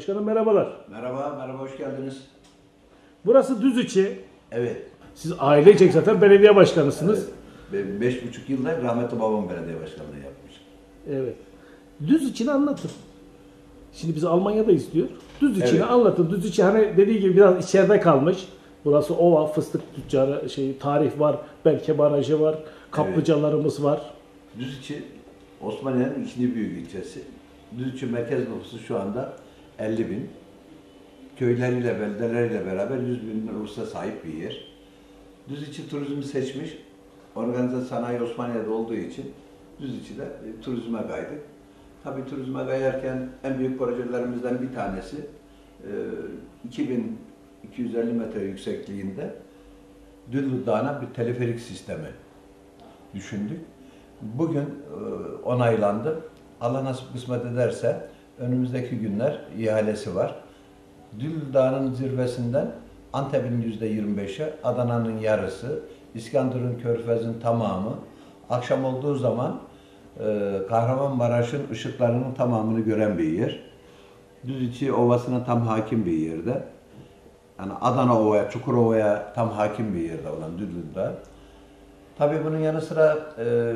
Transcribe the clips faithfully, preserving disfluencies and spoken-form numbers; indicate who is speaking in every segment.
Speaker 1: Başkanım merhabalar.
Speaker 2: Merhaba, merhaba, hoş geldiniz.
Speaker 1: Burası Düziçi.
Speaker 2: Evet.
Speaker 1: Siz ailecek zaten belediye başkanısınız.
Speaker 2: Evet. Be beş buçuk yılda rahmetli babam belediye başkanlığı yapmış.
Speaker 1: Evet. Düziçi'ni anlatın. Şimdi bizi Almanya'da istiyor. Düziçi'ni
Speaker 2: Evet.
Speaker 1: anlatın. Düziçi hani dediği gibi biraz içeride kalmış. Burası ova, fıstık tüccarı, şey, tarih var, Belke Barajı var, kaplıcalarımız var.
Speaker 2: Düziçi, Osmaniye'nin ikinci büyük ilçesi. Düziçi merkez nüfusu şu anda elli bin. Köyleriyle, beldeleriyle beraber yüz bin nüfusa sahip bir yer. Düziçi turizmi seçmiş. Organize sanayi Osmaniye'de olduğu için Düziçi'de e, turizme kaydık. Tabii turizme kayarken en büyük projelerimizden bir tanesi e, iki bin iki yüz elli metre yüksekliğinde Düllü Dağı'na bir teleferik sistemi düşündük. Bugün e, onaylandı. Allah nasip kısmet ederse önümüzdeki günler ihalesi var. Düllü Dağı'nın zirvesinden Antep'in yüzde yirmi beşi, Adana'nın yarısı, İskenderun Körfez'in tamamı, akşam olduğu zaman e, Kahramanmaraş'ın ışıklarının tamamını gören bir yer. Düziçi Ovası'na tam hakim bir yerde. Yani Adana Ova'ya, Çukurova'ya tam hakim bir yerde olan Düllü Dağı. Tabii bunun yanı sıra e,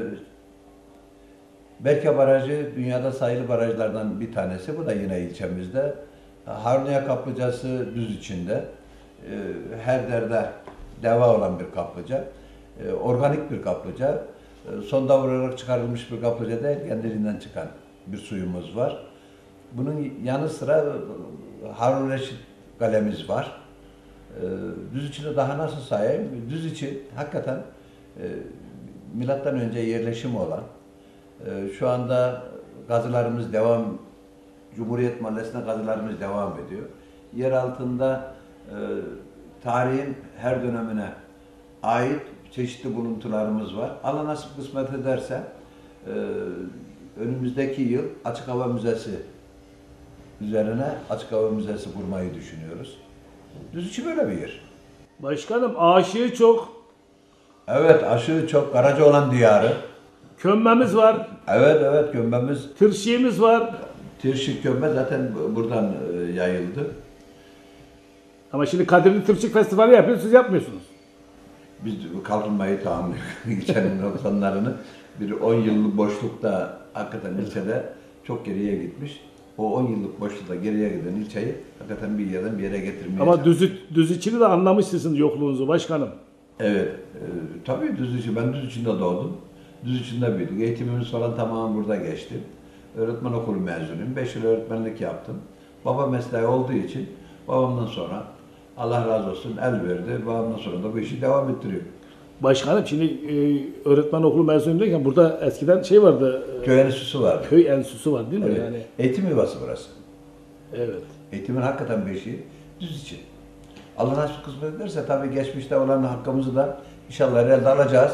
Speaker 2: Belke Barajı dünyada sayılı barajlardan bir tanesi. Bu da yine ilçemizde. Haruniye Kaplıcası Düziçi'nde. E, her derde deva olan bir kaplıca. E, organik bir kaplıca. E, sonda vurarak çıkarılmış bir kaplıca değil, kendiliğinden çıkan bir suyumuz var. Bunun yanı sıra Harun Reşit Kalemiz var. E, Düziçi'de daha nasıl sayayım? Düziçi hakikaten e, milattan önce yerleşimi olan, e, şu anda gazılarımız devam, Cumhuriyet Mahallesi'nde gazılarımız devam ediyor. Yer altında e, tarihin her dönemine ait çeşitli buluntularımız var. Allah nasip kısmet ederse e, önümüzdeki yıl Açık Hava Müzesi üzerine Açık Hava Müzesi kurmayı düşünüyoruz. Düziçi böyle bir yer.
Speaker 1: Başkanım aşığı çok.
Speaker 2: Evet, aşığı çok. Karacaoğlan diyarı.
Speaker 1: Kömbemiz var.
Speaker 2: Evet, evet, gömbemiz.
Speaker 1: Tırşiğimiz var.
Speaker 2: Tirşik gömbe zaten buradan e, yayıldı.
Speaker 1: Ama şimdi Kadirli Tırşık Festivali yapıyor, siz yapmıyorsunuz.
Speaker 2: Biz kalkınmayı tahammül ilçenin noksanlarını bir on yıllık boşlukta hakikaten ilçede çok geriye gitmiş. O on yıllık boşlukta geriye giden ilçeyi hakikaten bir yerden bir yere getirmeye
Speaker 1: Ama Düzü, Düziçi'ni de anlamışsınız yokluğunuzu başkanım.
Speaker 2: Evet, e, tabii Düziçi. Ben Düziçi'nde doğdum. Düziçi'nde büyüdük. Eğitimimiz falan tamamen burada geçti. Öğretmen okulu mezunuyum. beş yıl öğretmenlik yaptım. Baba mesleği olduğu için babamdan sonra Allah razı olsun el verdi. Babamdan sonra da bu işi devam ettiriyor.
Speaker 1: Başkanım şimdi e, öğretmen okulu mezunuyken burada eskiden şey vardı. E,
Speaker 2: Köy enstitüsü var.
Speaker 1: Köy enstitüsü var değil mi?
Speaker 2: Evet.
Speaker 1: Yani.
Speaker 2: Eğitim yuvası burası.
Speaker 1: Evet.
Speaker 2: Eğitimin hakikaten beşiği Düziçi. Allah nasip kısmet ederse tabii geçmişte olan hakkımızı da inşallah elde alacağız.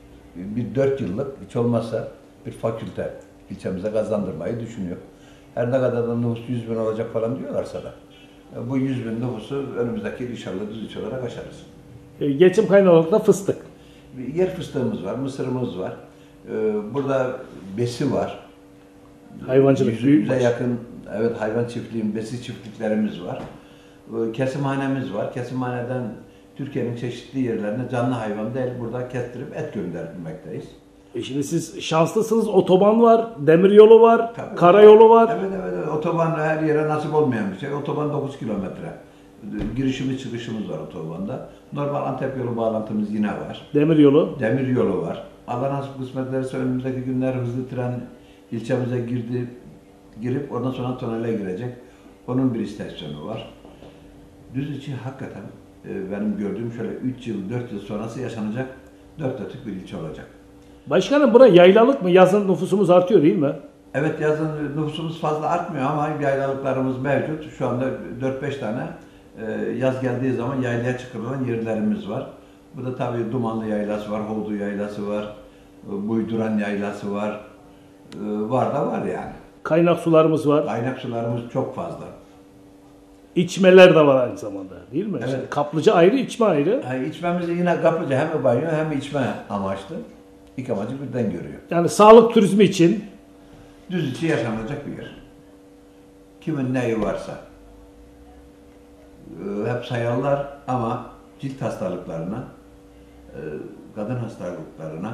Speaker 2: Bir dört yıllık hiç olmazsa bir fakülte ilçemize kazandırmayı düşünüyor. Her ne kadar da nüfus yüz bin olacak falan diyorlarsa da bu yüz bin nüfusu önümüzdeki inşallah Düziçi olarak aşarız.
Speaker 1: E, geçim kaynağı olarak da fıstık.
Speaker 2: Bir yer fıstığımız var, mısırımız var. Ee, burada besi var.
Speaker 1: Hayvancılık
Speaker 2: Yüz,
Speaker 1: büyük
Speaker 2: yüze
Speaker 1: baş.
Speaker 2: yakın evet hayvan çiftliği, besi çiftliklerimiz var. Ee, kesimhanemiz var. Kesimhaneden Türkiye'nin çeşitli yerlerine canlı hayvan değil burada kestirip et göndermekteyiz.
Speaker 1: E şimdi siz şanslısınız. Otoban var, demiryolu var,
Speaker 2: Tabii,
Speaker 1: karayolu var.
Speaker 2: Evet, evet, evet. Otoban her yere nasip olmayan bir şey. Otoban dokuz kilometre. Girişimiz çıkışımız var otobanda. Normal Antep yolu bağlantımız yine var.
Speaker 1: Demiryolu.
Speaker 2: Demir yolu var. Allah nasip kısmet ederse önümüzdeki günler hızlı tren ilçemize girdi, girip ondan sonra tünele girecek. Onun bir istasyonu var. Düziçi hakikaten e, benim gördüğüm şöyle üç yıl, dört yıl sonrası yaşanacak dört dörtlük bir ilçe olacak.
Speaker 1: Başkanım bura yaylalık mı? Yazın nüfusumuz artıyor değil mi?
Speaker 2: Evet, yazın nüfusumuz fazla artmıyor ama yaylalıklarımız mevcut. Şu anda dört beş tane e, yaz geldiği zaman yaylaya çıkarılan yerlerimiz var. Bu da tabii Dumanlı Yaylası var, Hoğdu Yaylası var, Buyduran Yaylası var. E, var da var yani.
Speaker 1: Kaynak sularımız var.
Speaker 2: Kaynak sularımız çok fazla.
Speaker 1: İçmeler de var aynı zamanda değil mi?
Speaker 2: Evet.
Speaker 1: Şimdi kaplıca ayrı, içme ayrı.
Speaker 2: Yani içmemiz yine kaplıca hem banyo hem içme amaçlı. İki amacı birden görüyor.
Speaker 1: Yani sağlık turizmi için.
Speaker 2: Düziçi yaşanacak bir yer. Kimin neyi varsa. e, hep sayarlar ama cilt hastalıklarına, e, kadın hastalıklarına,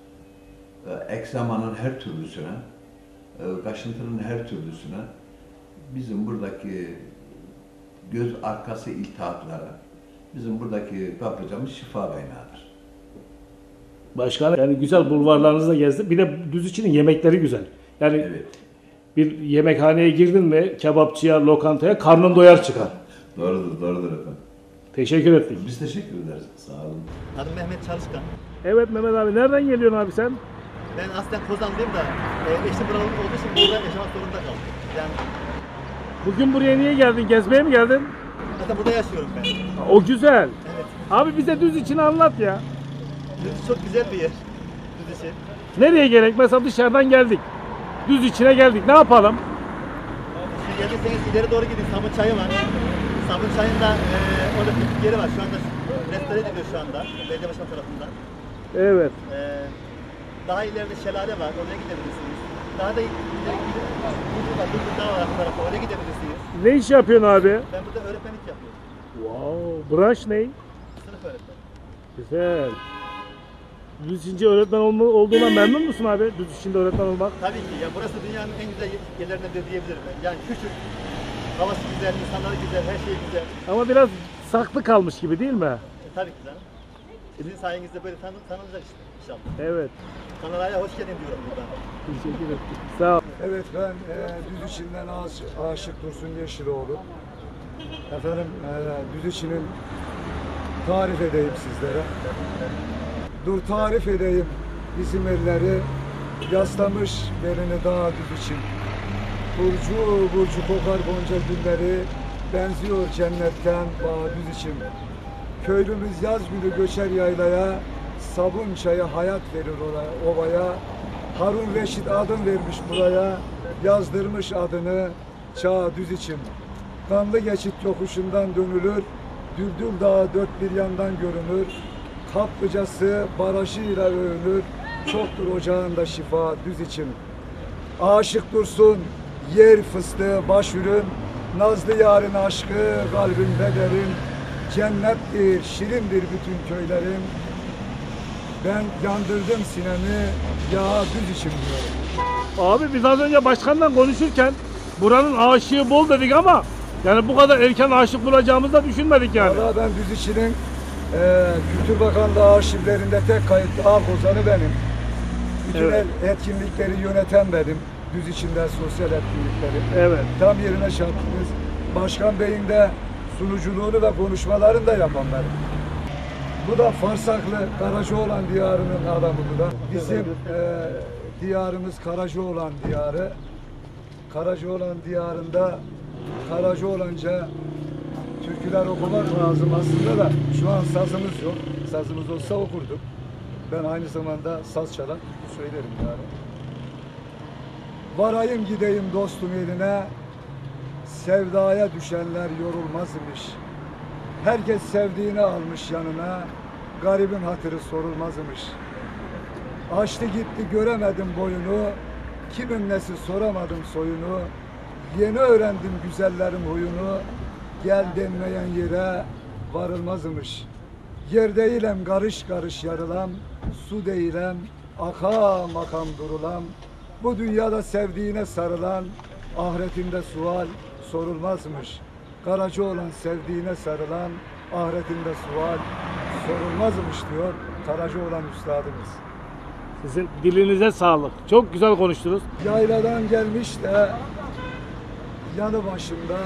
Speaker 2: e, ekzemanın her türlüsüne, e, kaşıntının her türlüsüne, bizim buradaki göz arkası iltihaplara, bizim buradaki kaplıcamız şifa kaynağıdır.
Speaker 1: Başkanım yani güzel bulvarlarınızı da gezdim. Bir de Düzüçi'nin yemekleri güzel. Yani
Speaker 2: Evet.
Speaker 1: bir yemekhaneye girdin mi kebapçıya, lokantaya karnın doyar çıkar.
Speaker 2: Doğrudur, doğrudur efendim.
Speaker 1: Teşekkür ettik.
Speaker 2: Biz teşekkür ederiz. Sağ olun.
Speaker 3: Adım Mehmet Çalışkan.
Speaker 1: Evet Mehmet abi nereden geliyorsun abi sen?
Speaker 3: Ben aslen Kozanlıyım da e, eşim buralı olduğu için burada yaşamak zorunda kaldım. Yani
Speaker 1: Bugün buraya niye geldin? Gezmeye mi geldin?
Speaker 3: zaten burada yaşıyorum ben.
Speaker 1: O güzel.
Speaker 3: Evet.
Speaker 1: Abi bize Düzüçi'ni anlat ya.
Speaker 3: Düzce çok güzel bir yer. Düzce.
Speaker 1: Nereye gerek? Mesela dışarıdan geldik. Düzüçi'ne geldik. Ne yapalım?
Speaker 3: Şimdi geldiyseniz ileri doğru gidin. Sabun çayı var. Sabun çayında e, orada piknik yeri var. Şu anda restore ediliyor şu anda. Belediye başkanı tarafından.
Speaker 1: Evet.
Speaker 3: E, daha ileride şelale var. Oraya gidebilirsiniz. Daha da ileri gidip Bulgur var. Bulgur Dağı var arka tarafta. Oraya gidebilirsiniz.
Speaker 1: Ne iş yapıyorsun abi?
Speaker 3: Ben burada öğretmenlik yapıyorum.
Speaker 1: Wow. Branş ne?
Speaker 3: Sınıf öğretmeni.
Speaker 1: Güzel. Düzüçince öğretmen olma, olduğuna memnun musun abi? Düzüçin'de öğretmen olmak.
Speaker 3: Tabii ki. Ya burası dünyanın en güzel yerlerinden biri diyebilirim ben. Yani küçük, havası güzel, insanları güzel, her şey güzel.
Speaker 1: Ama biraz saklı kalmış gibi değil mi?
Speaker 3: E, tabii ki canım. Sizin sayenizde böyle tanı tanınacak işte inşallah.
Speaker 1: Evet.
Speaker 3: Kanalaya hoş geldin diyorum buradan.
Speaker 1: Teşekkür ettik. Sağ ol.
Speaker 4: Evet, ben e, Düzüçi'nden Aş- Aşık Dursun Yeşiloğlu. Efendim, e, Düzüçi'nin tarif edeyim sizlere. Dur tarif edeyim bizim elleri, yaslamış belini dağ Düzüçin. Burcu burcu kokar gonca gülleri, benziyor cennetten bağ Düzüçin. Köylümüz yaz günü göçer yaylaya, sabun çayı hayat verir oraya, ovaya. Harun Reşit adım vermiş buraya, yazdırmış adını Çağ Düzüçin. Kanlı geçit yokuşundan dönülür, Düldül Dağı dört bir yandan görünür. Kaplıcası barajıyla övünür, çoktur ocağında şifa Düzüçin. Aşık dursun yer fıstığı baş ürün, nazlı yarın aşkı kalbimde derin. Cennettir, şirindir bütün köylerim. Ben yandırdım sinemi, ya Düzüçin diyorum.
Speaker 1: Abi biz az önce başkanla konuşurken buranın aşığı bol dedik ama yani bu kadar erken aşık bulacağımızı da düşünmedik yani.
Speaker 4: Valla ben Düzüçi'nin e, Kültür Bakanlığı arşivlerinde tek kayıtlı ağ kozanı benim. Bütün
Speaker 1: Evet.
Speaker 4: el- etkinlikleri yöneten benim. Düzüçi'nden sosyal etkinlikleri.
Speaker 1: Evet.
Speaker 4: Tam yerine çarptınız. Başkan Bey'in de sunuculuğunu ve konuşmalarını da yapan benim. Bu da Farsaklı Karacaoğlan diyarının adamı bu da. Bizim e, diyarımız Karacaoğlan diyarı. Karacaoğlan diyarında Karacaoğlanca türküler okumak lazım aslında da şu an sazımız yok. Sazımız olsa okurduk. Ben aynı zamanda saz çalar söylerim yani. Varayım gideyim dostum eline, sevdaya düşenler yorulmaz imiş. Herkes sevdiğini almış yanına, garibin hatırı sorulmaz imiş. Açtı gitti göremedim boyunu, kimin nesi soramadım soyunu. Yeni öğrendim güzellerin huyunu, gel denmeyen yere varılmazmış. Yer değilem karış karış yarılam, su değilem akam akam durulam. Bu dünyada sevdiğine sarılan, ahiretinde sual sorulmazmış. Karacaoğlan sevdiğine sarılan, ahiretinde sual sorulmazmış diyor Karacaoğlan üstadımız.
Speaker 1: Sizin dilinize sağlık. Çok güzel konuştunuz.
Speaker 4: Yayladan gelmiş de yanı başımda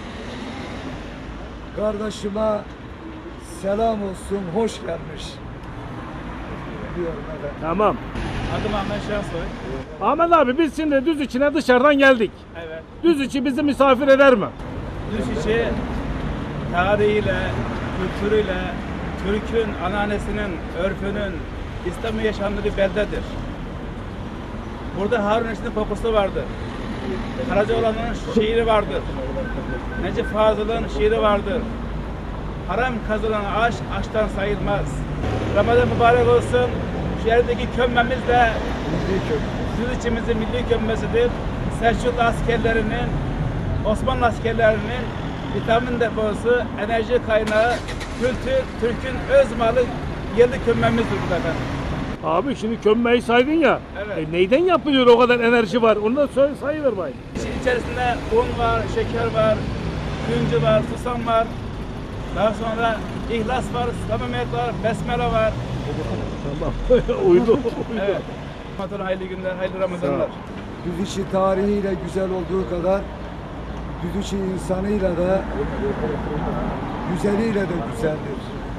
Speaker 4: kardeşime selam olsun, hoş gelmiş diyorum efendim.
Speaker 1: Tamam.
Speaker 5: Adım Ahmet Şensoy.
Speaker 1: Ahmet abi biz şimdi Düzüçi'ne dışarıdan geldik.
Speaker 5: Evet.
Speaker 1: Düzüçi bizi misafir eder mi?
Speaker 5: Düzüçi tarihiyle, kültürüyle, Türk'ün, ananesinin, örfünün, İslam'ın yaşandığı bir beldedir. Burada Harun Reşit'in kokusu vardır. Karacaoğlan'ın şiiri vardır. Necip Fazıl'ın şiiri vardır. Haram kazılan aş, aştan sayılmaz. Ramazan mübarek olsun. Şu yerdeki kömmemiz de Düzüçimizin milli kömmesidir. Selçuklu askerlerinin, Osmanlı askerlerinin vitamin deposu, enerji kaynağı, kültür, Türk'ün öz malı, yerli kömmemizdir burada efendim.
Speaker 1: Abi şimdi kömmeyi saydın ya.
Speaker 5: Evet.
Speaker 1: E neyden yapılıyor o kadar enerji var? Onu da söyle, sayıver bayım.
Speaker 5: İçi- İçerisinde un var, şeker var, güncü var, susam var. Daha sonra ihlas var, samimiyet var, besmele var.
Speaker 1: Tamam. Uydu. Uydu.
Speaker 5: Evet. Ramazan hayırlı günler, hayırlı Ramazanlar.
Speaker 4: Düzüçi tarihiyle güzel olduğu kadar Düzüçi insanıyla da güzeliyle de güzeldir.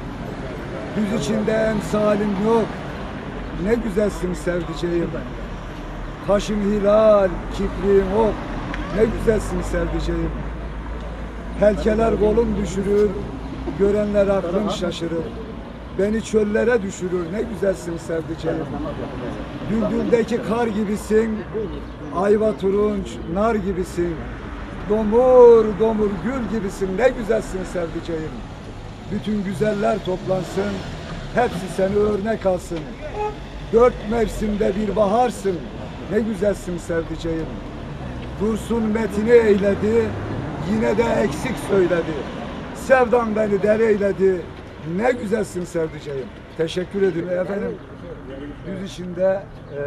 Speaker 4: Düz içinde emsalin yok. Ne güzelsin sevdiceğim. Kaşın hilal, kipriğin ok. Ne güzelsin sevdiceğim. Helkeler kolum düşürür, görenler aklım şaşırır. Beni çöllere düşürür, ne güzelsin sevdiceğim. Düldüldeki kar gibisin, ayva turunç, nar gibisin. Domur domur gül gibisin, ne güzelsin sevdiceğim. Bütün güzeller toplansın, hepsi seni örnek alsın. Dört mevsimde bir baharsın, ne güzelsin sevdiceğim. Dursun metini eyledi, yine de eksik söyledi. Sevdan beni deli eyledi, ne güzelsin sevdiceğim. Teşekkür ederim efendim. Düz içinde e,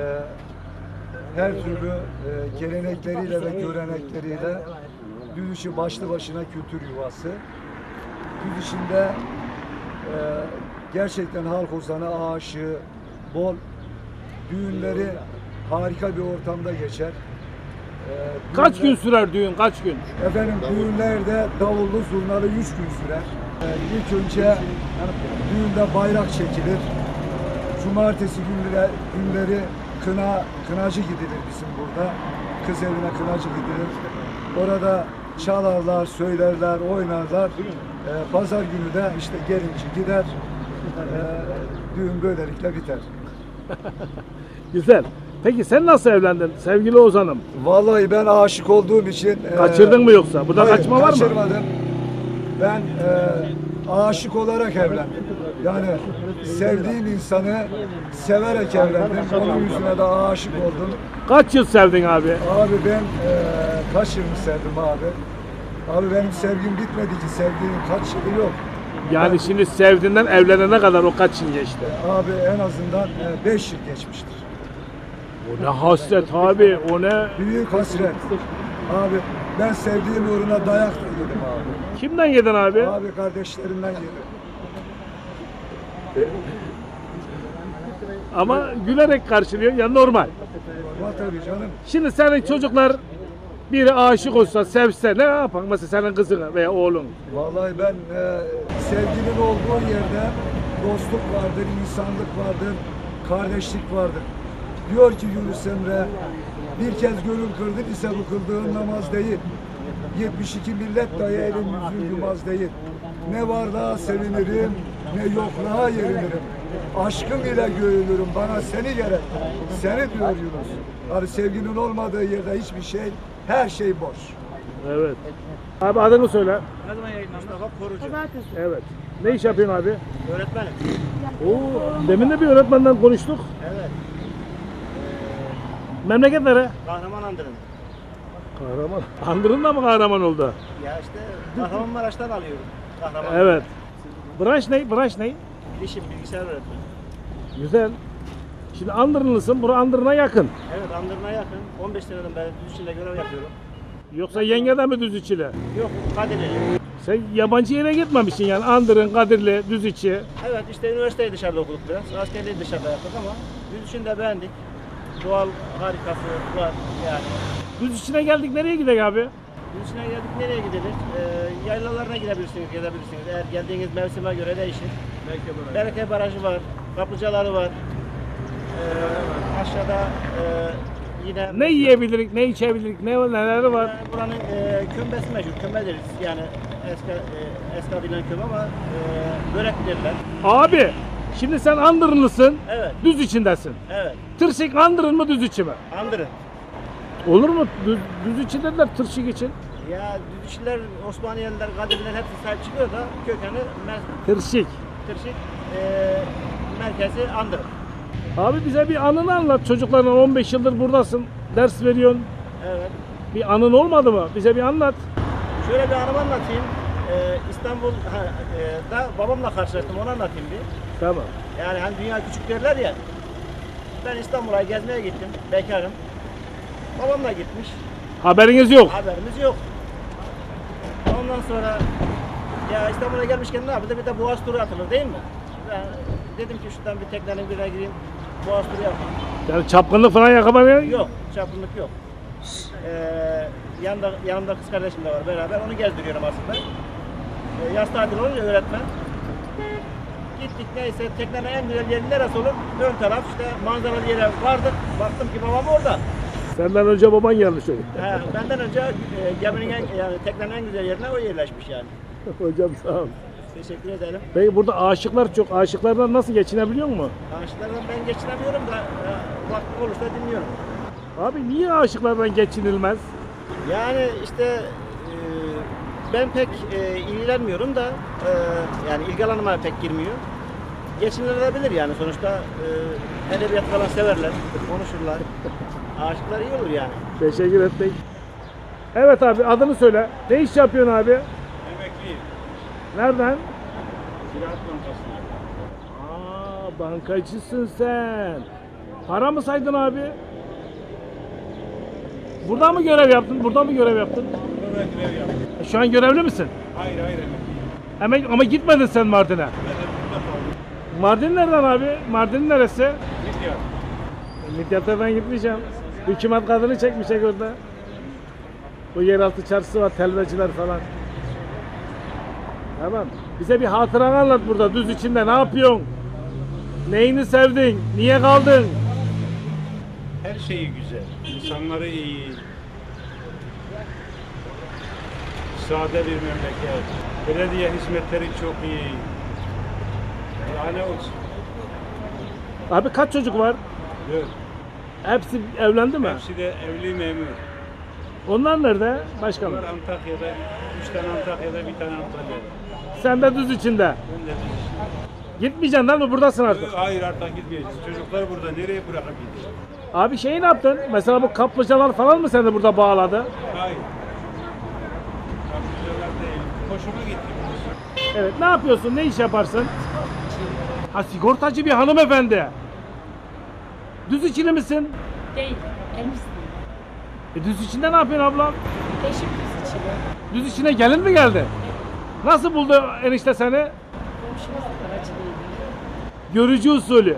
Speaker 4: her türlü e, gelenekleriyle ve görenekleriyle düz içi başlı başına kültür yuvası. Düz içinde e, gerçekten halk ozanı aşığı bol, düğünleri harika bir ortamda geçer. E,
Speaker 1: Kaç
Speaker 4: düğünler-
Speaker 1: gün sürer düğün? Kaç gün?
Speaker 4: Efendim düğünlerde davullu zurnalı üç gün sürer. Ee, ilk önce düğünde bayrak çekilir. Cumartesi günleri, günleri kına, kınacı gidilir bizim burada. Kız evine kınacı gidilir. Orada çalarlar, söylerler, oynarlar. Ee, pazar günü de işte gelinci gider. Ee, düğün böylelikle biter.
Speaker 1: Güzel. Peki sen nasıl evlendin sevgili Ozan'ım?
Speaker 4: Vallahi ben aşık olduğum için... e,
Speaker 1: Kaçırdın mı yoksa? Burada
Speaker 4: hayır,
Speaker 1: kaçma var mı?
Speaker 4: Kaçırmadım. Ben e, aşık olarak evlendim. Yani sevdiğim insanı severek evlendim. Onun yüzüne de aşık oldum.
Speaker 1: Kaç yıl sevdin abi?
Speaker 4: Abi ben e, kaç yıl sevdim abi? Abi benim sevgim bitmedi ki. Sevdiğim kaç yılı yok.
Speaker 1: Yani şimdi sevdiğinden evlenene kadar o kaç yıl geçti?
Speaker 4: Abi en azından beş yıl geçmiştir.
Speaker 1: O ne hasret abi, o ne?
Speaker 4: Büyük hasret. Abi ben sevdiğim uğruna dayak da yedim abi.
Speaker 1: Kimden yedin abi?
Speaker 4: Abi kardeşlerimden yedim.
Speaker 1: Ama gülerek karşılıyor ya, normal.
Speaker 4: Ama tabii canım.
Speaker 1: Şimdi senin çocuklar biri aşık olsa, sevse ne yapan? Mesela senin kızın veya oğlun.
Speaker 4: Vallahi ben e, sevginin olduğu yerde dostluk vardır, insanlık vardır, kardeşlik vardır. Diyor ki Yunus Emre, bir kez gönül kırdın ise bu kıldığın namaz değil. yetmiş iki millet dahi elin yüzün yumaz değil. Ne varlığa sevinirim, ne yokluğa yerinirim. Aşkım ile göğünürüm, bana seni gerek. Seni diyor Yunus. Hani sevginin olmadığı yerde hiçbir şey, her şey boş.
Speaker 1: Evet. Abi adını söyle.
Speaker 5: Ne zaman yayınlandı?
Speaker 3: Mustafa Korucu.
Speaker 1: Evet. Ne iş yapıyorsun abi?
Speaker 3: Öğretmenim.
Speaker 1: Oo, demin de bir öğretmenden konuştuk.
Speaker 3: Evet.
Speaker 1: Memleket nere?
Speaker 3: Kahraman Andırın.
Speaker 1: Kahraman. Andırın da mı kahraman oldu?
Speaker 3: Ya işte Kahramanmaraş'tan alıyorum. Kahraman.
Speaker 1: Evet. Branş ne? Branş ne?
Speaker 3: Bilişim, bilgisayar öğretmeni.
Speaker 1: Güzel. Şimdi Andırınlısın. Bura Andırın'a yakın.
Speaker 3: Evet, Andırın'a yakın. on beş seneden beri düz içinde görev yapıyorum.
Speaker 1: Yoksa yengeden mi Düzüçi'yle?
Speaker 3: Yok, Kadirli.
Speaker 1: Sen yabancı yere gitmemişsin yani. Andırın, Kadirli, Düzüçi.
Speaker 3: Evet, işte üniversiteyi dışarıda okuduk biraz. Askerliği dışarıda yaptık ama düz içinde beğendik. Doğal harikası var yani.
Speaker 1: Düzüçi'ne geldik. Nereye gidelim abi?
Speaker 3: Düz içine geldik, nereye gidilir? Ee, yaylalarına gidebilirsiniz, gezebilirsiniz. Eğer geldiğiniz mevsime göre değişir. Bereke Barajı var, kaplıcaları var. Ee, aşağıda e, yine...
Speaker 1: Ne yiyebilirik, ne içebilirik, ne neleri var?
Speaker 3: Yani buranın e, kömbesi meşhur, kömbe deriz. Yani eski, e, eski adıyla kömbe ama e, börek derler.
Speaker 1: Abi, şimdi sen Andırınlısın,
Speaker 3: Evet,
Speaker 1: düz içindesin.
Speaker 3: evet.
Speaker 1: Tırşık Andırın mı, Düzüçi mi?
Speaker 3: Andırın.
Speaker 1: Olur mu? Düz, düzüçi dediler tırşık için.
Speaker 3: Ya Düzüşler, Osmaniyeliler, Kadirliler hepsi sahip çıkıyor da kökeni mer-
Speaker 1: Tırşık.
Speaker 3: Tırşık e, merkezi Andırın.
Speaker 1: Abi bize bir anını anlat. Çocuklarla on beş yıldır buradasın. Ders veriyorsun.
Speaker 3: Evet.
Speaker 1: Bir anın olmadı mı? Bize bir anlat.
Speaker 3: Şöyle bir anımı anlatayım. Ee, İstanbul'da babamla karşılaştım, onu anlatayım bir.
Speaker 1: Tamam.
Speaker 3: Yani hani dünya küçük derler ya. Ben İstanbul'a gezmeye gittim, bekarım. Babamla gitmiş,
Speaker 1: Haberiniz yok.
Speaker 3: haberimiz yok. Ondan sonra ya İstanbul'a gelmişken ne yapılır? Bir de Boğaz turu atılır değil mi? Ben dedim ki şuradan bir teknenin birine gireyim, Boğaz turu yapayım.
Speaker 1: Yani çapkınlık falan yakalamaya
Speaker 3: Yok, çapkınlık yok. Ee, yanında, yanımda kız kardeşim de var beraber, onu gezdiriyorum aslında. Ee, yaz tatili olunca öğretmen. Gittik neyse, teknenin en güzel yeri neresi olur? Ön taraf işte manzaralı yere vardık. Baktım ki babam orada.
Speaker 1: Senden önce baban gelmiş öyle.
Speaker 3: He, benden önce e, geminin en, yani teknenin en güzel yerine o yerleşmiş yani.
Speaker 1: Hocam sağ ol.
Speaker 3: Teşekkür ederim.
Speaker 1: Peki burada aşıklar çok. Aşıklardan nasıl geçinebiliyor mu?
Speaker 3: Ağaçlardan ben geçinemiyorum da e, vaktim olursa dinliyorum.
Speaker 1: Abi niye aşıklardan geçinilmez?
Speaker 3: Yani işte e, ben pek e, ilgilenmiyorum da e, yani ilgi alanıma pek girmiyor. Geçinilebilir yani sonuçta e, edebiyat falan severler, konuşurlar. Aşıklar iyi olur yani.
Speaker 1: Teşekkür ettik. Evet abi adını söyle. Ne iş yapıyorsun abi?
Speaker 5: Emekliyim.
Speaker 1: Nereden?
Speaker 5: Ziraat Bankası'nda.
Speaker 1: Aa bankacısın sen. Para mı saydın abi? Burada mı görev yaptın? Burada mı görev yaptın?
Speaker 5: Burada görev yaptım.
Speaker 1: Şu an görevli misin?
Speaker 5: Hayır hayır emekliyim.
Speaker 1: Hemen ama gitmedin sen Mardin'e.
Speaker 5: Ben de burada kaldım.
Speaker 1: Mardin nereden abi? Mardin neresi?
Speaker 5: Midyat.
Speaker 1: Midyat'a ben gitmeyeceğim. Hükümet kadını çekmişek orada. Bu yeraltı çarşısı var, telveciler falan. Tamam. Bize bir hatıranı anlat burada düz içinde. Ne yapıyorsun? Neyini sevdin? Niye kaldın?
Speaker 5: Her şeyi güzel. İnsanları iyi. Sade bir memleket. Belediye hizmetleri çok iyi. Daha ne olsun?
Speaker 1: Abi kaç çocuk var?
Speaker 5: Dört.
Speaker 1: Hepsi evlendi mi?
Speaker 5: Hepsi de evli memur.
Speaker 1: Onlar nerede? Başkanım.
Speaker 5: Bunlar Antakya'da, üç tane Antakya'da, bir tane Antalya'da.
Speaker 1: Sen de düz içinde.
Speaker 5: Ben de düz.
Speaker 1: Gitmeyeceksin değil mi? Buradasın artık.
Speaker 5: Hayır artık gitmeyeceğiz. Çocuklar burada nereye bırakıp gideceğiz?
Speaker 1: Abi şeyi ne yaptın? Mesela bu kaplıcalar falan mı seni burada bağladı?
Speaker 5: Hayır. Kapıcılar değil. Hoşuma gitti.
Speaker 1: Evet. Ne yapıyorsun? Ne iş yaparsın? Ha sigortacı bir hanımefendi. Düz içili misin?
Speaker 6: Değil, Elbistan.
Speaker 1: E düz içinde ne yapıyorsun ablam?
Speaker 6: Eşim kız içinde.
Speaker 1: Düz içine gelin mi geldi? Nasıl buldu enişte seni?
Speaker 6: Komşumuz aracılığıyla.
Speaker 1: Görücü usulü.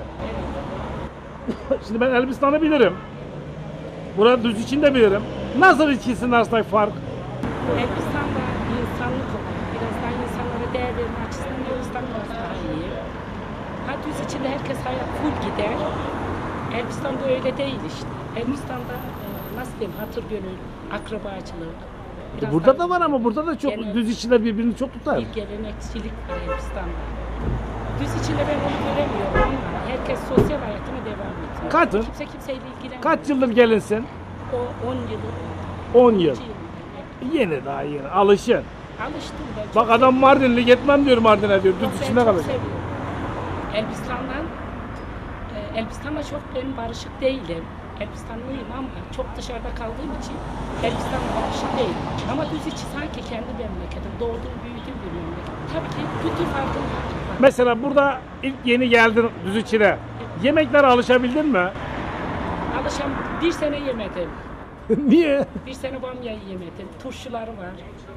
Speaker 1: Şimdi ben Elbistan'ı bilirim. Burada düz içinde bilirim. Nasıl ikisinin arasındaki fark?
Speaker 6: Elbistan'da insanlık olarak biraz daha insanlara değer verme açısından Elbistan biraz daha iyi. Ha düz içinde herkes hayat full gider. Elbistan'da öyle değil işte. Elbistan'da e, nasıl diyeyim hatır gönül, akrabacılık.
Speaker 1: E
Speaker 6: biraz
Speaker 1: burada
Speaker 6: daha
Speaker 1: da var ama burada da çok
Speaker 6: Gene-
Speaker 1: düz içiler birbirini çok tutar.
Speaker 6: bir gelenekçilik var Elbistan'da. Düz içinde ben onu göremiyorum ama herkes sosyal hayatına devam ediyor.
Speaker 1: Kaç?
Speaker 6: Kimse kimseyle ilgilenmiyor.
Speaker 1: Kaç yıldır gelinsin?
Speaker 6: O on yılı.
Speaker 1: on yıl.
Speaker 6: iki yıl.
Speaker 1: Yeni daha yeni. Alışın.
Speaker 6: Alıştım ben.
Speaker 1: Bak
Speaker 6: çok
Speaker 1: adam Mardinli gitmem diyor Mardin'e diyor.
Speaker 6: seviyorum.
Speaker 1: Düz
Speaker 6: Ben
Speaker 1: içinde
Speaker 6: çok
Speaker 1: kalacak.
Speaker 6: seviyorum. Elbistan'dan e, Elbistan'la çok ben barışık değilim. Elbistanlıyım ama çok dışarıda kaldığım için Elbistan'la barışık değilim. Ama düz içi sanki kendi memleketim. Doğduğum, büyüdüğüm bir memleket. Tabii ki kültür farkındalık var.
Speaker 1: Mesela burada ilk yeni geldin düz içine. Yemeklere alışabildin mi?
Speaker 6: Alışam bir sene yemedim.
Speaker 1: Niye?
Speaker 6: Bir sene bamya yemedim. Turşuları var.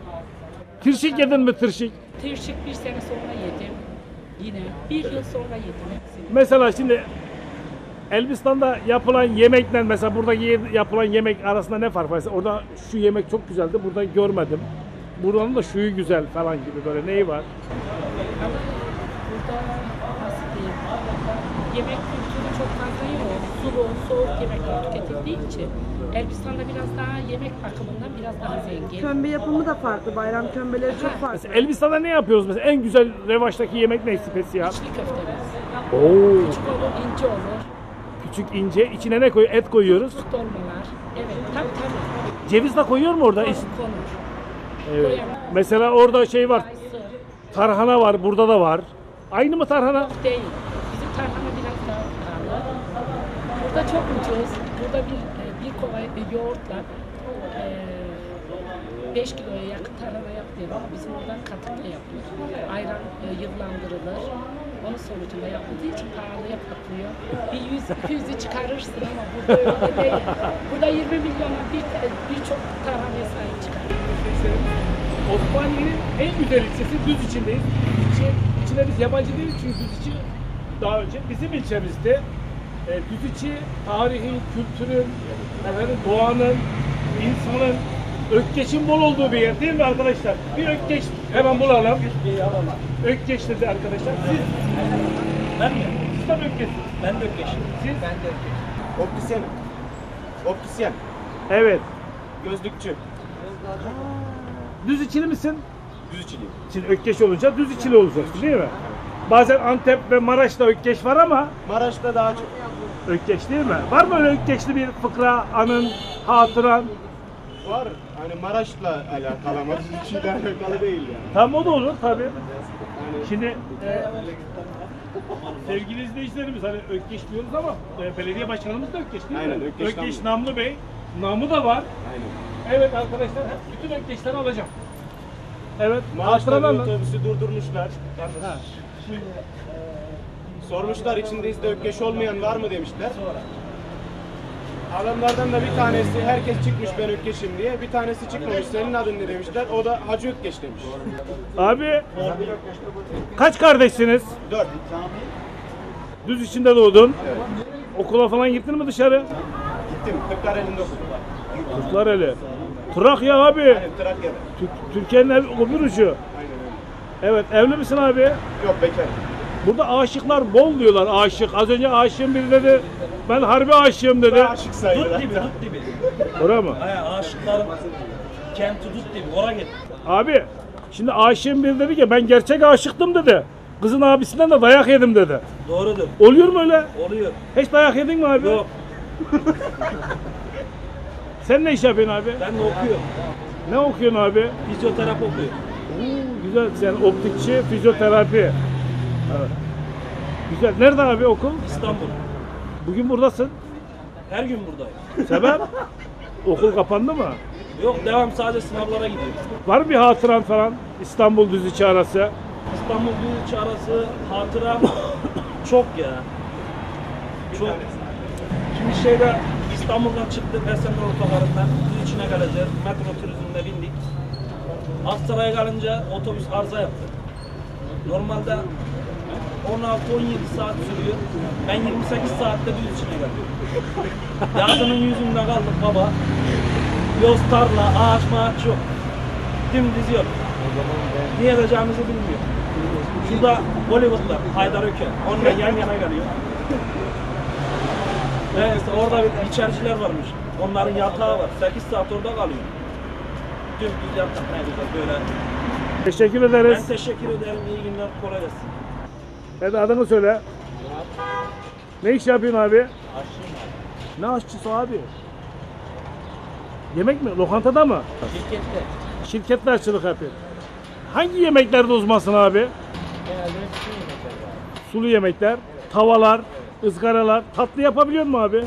Speaker 1: Tirşik yedin mi tirşik?
Speaker 6: Tırşık bir sene sonra yedim. Yine bir yıl sonra yedim hepsini.
Speaker 1: Mesela şimdi Elbistan'da yapılan yemekle mesela burada ye- yapılan yemek arasında ne fark var? Mesela orada şu yemek çok güzeldi, burada görmedim. Buranın da şuyu güzel falan gibi böyle neyi var?
Speaker 6: Ama burada nasıl diyeyim, yemek kültürü çok fazla yok. Sulu, soğuk yemekler tüketildiği için Elbistan'da biraz daha yemek bakımından biraz daha zengin.
Speaker 7: Kömbe yapımı da farklı. Bayram kömbeleri çok farklı.
Speaker 1: Mesela Elbistan'da ne yapıyoruz mesela? En güzel revaçtaki yemek ne spesiyel?
Speaker 6: İçli köftemiz.
Speaker 1: Oo,
Speaker 6: Küçük olur, ince olur.
Speaker 1: küçük ince içine ne koy? Et koyuyoruz.
Speaker 6: Fıstık dolmalar. Evet, tabii tabii.
Speaker 1: Ceviz de koyuyor mu orada?
Speaker 6: Konur,
Speaker 1: İç-
Speaker 6: konur.
Speaker 1: Evet.
Speaker 6: Koyalım.
Speaker 1: Mesela orada şey var.
Speaker 6: Kayısı.
Speaker 1: Tarhana var, burada da var. Aynı mı tarhana?
Speaker 6: Değil. Bizim tarhana biraz daha pahalı. Burada çok ucuz. Burada bir, bir kova yoğurtla e, beş kiloya yakın tarhana yapılıyor ama bizim oradan katıyla yapılıyor. Ayran e, yıllandırılır. Onun sonucunda yapıldığı için pahalıya patlıyor. Bir yüz iki yüzü çıkarırsın ama burada öyle değil. Burada yirmi milyona bir birçok tarhanaya sahip çıkar.
Speaker 1: Osmaniye'nin en güzel ilçesi Düziçi'ndeyiz. İçi, içine biz yabancı değiliz çünkü Düziçi daha önce bizim ilçemizde. E, Düziçi tarihin, kültürün, efendim, doğanın, insanın, Ökkeş'in bol olduğu bir yer değil mi arkadaşlar? Bir Ökkeş hemen bulalım. Ökkeş dedi arkadaşlar. Siz?
Speaker 5: Ben mi?
Speaker 1: Siz de mi Ökkeş'siniz?
Speaker 5: Ben de Ökkeş'im.
Speaker 1: Siz?
Speaker 3: Ben de optisyen. Optisyen.
Speaker 1: Evet.
Speaker 3: Gözlükçü.
Speaker 1: Düziçili misin?
Speaker 3: Düzçülüyüm.
Speaker 1: Şimdi Ökkeş olunca Düziçili olacaksın değil mi? Bazen Antep ve Maraş'ta Ökkeş var ama
Speaker 3: Maraş'ta daha çok.
Speaker 1: Ökkeş değil mi? Var mı öyle Ökkeşli bir fıkra, anın, hatıran?
Speaker 3: Var. Hani Maraş'la alakalı ama Düzçü'yle alakalı değil yani.
Speaker 1: Tam o da olur tabii. Şimdi e, sevgili izleyicilerimiz hani Ökkeş diyoruz ama e, belediye başkanımız da Ökkeş değil
Speaker 3: Aynen,
Speaker 1: mi?
Speaker 3: Ökkeş
Speaker 1: Ökkeş
Speaker 3: Namlı.
Speaker 1: Namlı Bey. Namı da var.
Speaker 3: Aynen.
Speaker 1: Evet arkadaşlar bütün Ökkeşleri alacağım. Evet.
Speaker 3: Maraş'ta bir
Speaker 1: hatıralarla-
Speaker 3: otobüsü durdurmuşlar.
Speaker 1: Ha.
Speaker 3: Sormuşlar içinizde Ökkeş olmayan var mı demişler. Adamlardan da bir tanesi herkes çıkmış ben Ökkeş'im diye. Bir tanesi çıkmamış senin adın ne demişler. O da Hacı Ökkeş demiş.
Speaker 1: Abi kaç kardeşsiniz?
Speaker 3: Dört.
Speaker 1: Düz içinde doğdun. Okula falan gittin mi dışarı?
Speaker 3: Gittim. Kırklareli'nde okudum.
Speaker 1: Kırklareli. Trakya abi.
Speaker 3: Aynen Trakya'da.
Speaker 1: Tü- Türkiye'nin ev, öbür ucu.
Speaker 3: Aynen öyle.
Speaker 1: Evet evli misin abi?
Speaker 3: Yok bekar.
Speaker 1: Burada aşıklar bol diyorlar aşık. Az önce aşığım biri dedi. Ben harbi aşığım dedi.
Speaker 3: Aşık sayılır.
Speaker 5: Dut dibi, dut dibi.
Speaker 1: Oraya mı?
Speaker 5: He, aşıkların kenti dut dibi. Oraya git.
Speaker 1: Abi şimdi aşığım biri dedi ki ben gerçek aşıktım dedi. Kızın abisinden de dayak yedim dedi.
Speaker 5: Doğrudur.
Speaker 1: Oluyor mu öyle?
Speaker 5: Oluyor.
Speaker 1: Hiç dayak yedin mi abi?
Speaker 5: Yok.
Speaker 1: Sen ne iş yapıyorsun abi?
Speaker 5: Ben de okuyorum.
Speaker 1: Ne okuyorsun abi?
Speaker 5: Fizyoterapi okuyorum.
Speaker 1: Oo, güzel. Sen optikçi, fizyoterapi. Evet. Güzel. Nerede abi okul?
Speaker 5: İstanbul.
Speaker 1: Bugün buradasın.
Speaker 5: Her gün buradayım.
Speaker 1: Sebep? Okul kapandı mı?
Speaker 5: Yok devam sadece sınavlara gidiyorum.
Speaker 1: Var mı bir hatıran falan? İstanbul Düziçi arası.
Speaker 5: İstanbul Büyükçe arası hatıram çok ya. Çok. Şimdi şeyde İstanbul'dan çıktık Esenler Otogarı'ndan içine geleceğiz. Metro turizmine bindik. Aksaray'a gelince otobüs arıza yaptı. Normalde on altı on yedi saat sürüyor. Ben yirmi sekiz saatte düz içine geldim. Yazının yüzünde kaldık baba. Yoz tarla, ağaç mağaç yok. Dümdüz yok. Ne yapacağımızı bilmiyor. Şurada Bollywood'lar, Haydar Öken, onunla yan yana geliyor. Neyse orada bir içericiler varmış. Onların yatağı var. sekiz saat orada kalıyor. Dümdüz yatak ne güzel böyle.
Speaker 1: Teşekkür
Speaker 5: Ben
Speaker 1: ederiz.
Speaker 5: teşekkür ederim. İyi günler. Kolay gelsin.
Speaker 1: Hadi adını söyle. Ne iş yapıyorsun abi? Aşçıyım abi. Ne aşçısı abi? Yemek mi? Lokantada mı?
Speaker 8: Şirkette.
Speaker 1: Şirkette aşçılık yapıyorsun. Hangi yemeklerde uzmansın abi?
Speaker 8: Genelde bütün yemekler var.
Speaker 1: Sulu yemekler, tavalar, ızgaralar. Tatlı yapabiliyor musun abi?
Speaker 8: Evet.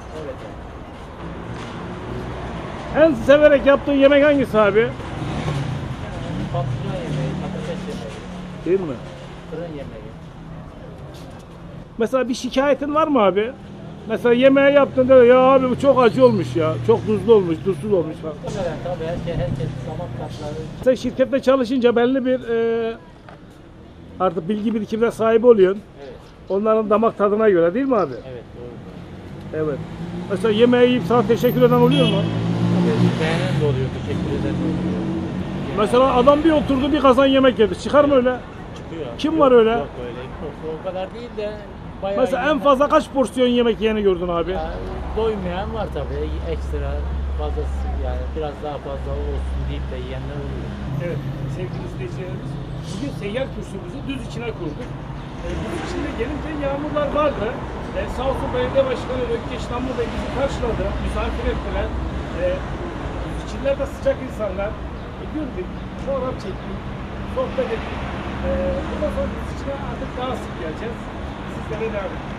Speaker 1: En severek yaptığın yemek hangisi abi?
Speaker 8: Patlıcan yemeği, patates yemeği,
Speaker 1: Değil mi?
Speaker 8: fırın yemeği.
Speaker 1: Mesela bir şikayetin var mı abi? Mesela yemeği yaptığında ya abi bu çok acı olmuş ya. Çok tuzlu olmuş, tuzsuz olmuş falan.
Speaker 8: Muhtemelen tabii herkes, herkes damak tatları.
Speaker 1: Sen şirkette çalışınca belli bir e, artık bilgi birikimine sahip oluyorsun.
Speaker 8: Evet.
Speaker 1: Onların damak tadına göre değil mi abi?
Speaker 8: Evet doğru.
Speaker 1: Evet. Mesela yemeği yiyip sana teşekkür eden oluyor mu?
Speaker 8: Tabii beğenen de oluyor, teşekkür eden de oluyor.
Speaker 1: Mesela adam bir oturdu bir kazan yemek yedi. Çıkar mı öyle?
Speaker 8: Çıkıyor.
Speaker 1: Kim
Speaker 8: Yok,
Speaker 1: var öyle?
Speaker 8: Yok öyle. Yok, o kadar değil de bayağı
Speaker 1: Mesela en
Speaker 8: yiyenler-
Speaker 1: fazla kaç porsiyon yemek yiyeni gördün abi?
Speaker 8: Ya, doymayan var tabii. Ekstra fazlası yani biraz daha fazla olsun deyip de yiyenler oluyor.
Speaker 1: Evet sevgili izleyicilerimiz. Bugün seyyar kursumuzu düz içine kurduk. E, düz içinde gelince yağmurlar vardı. E, sağ olsun belediye başkanı Ökkeş Namlı Bey bizi karşıladı. Misafir ettiler. E, düz içiler de sıcak insanlar. E, güldük, fotoğraf çektik, sohbet ettik. E, bundan sonra düz içine artık daha sık geleceğiz. Sizlere devam edin.